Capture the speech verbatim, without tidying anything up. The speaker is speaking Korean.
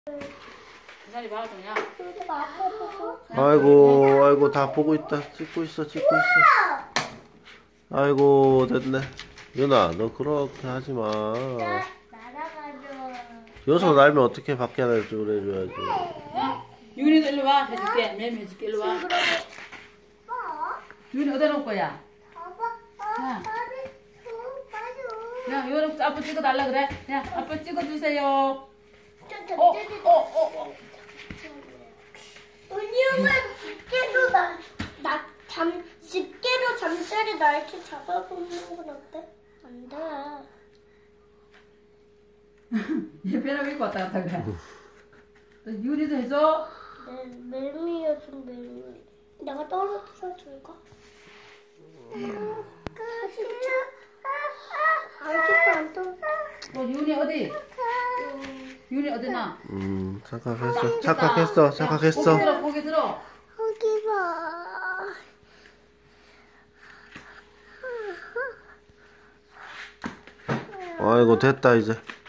기다려 봐, 그냥. 아이고, 아이고, 다 보고 있다. 찍고 있어, 찍고 있어. 아이고, 됐네. 윤아, 너 그렇게 하지 마. 날아가죠. 여기서 날면 어떻게 밖에 날 줄 해줘야지. 윤이도 일로 와. 해줄게. 매일 해줄게. 일로 와. 윤이 어디다 놓을 거야? 야, 야, 이거 아빠 찍어달라 그래. 야, 아빠 찍어주세요. 어, 어, 어, 어. 은영은 집게로 나, 나, 잠, 집게로 잠자리 나 이렇게 잡아보는 건 어때? 안 돼. 얘 배랑 입고 왔다 갔다 그래. 윤이도 해줘. 매, 매미야 좀 매미. 내가 떨어뜨려 줄까? 진짜? 아직도 안 떨어져. 어, 윤이 어디? 윤이 어디나? 음, 착각했어. 착각했어. 착각했어. 고개 들어, 고개 들어. 거기 봐. 아이고, 됐다, 이제.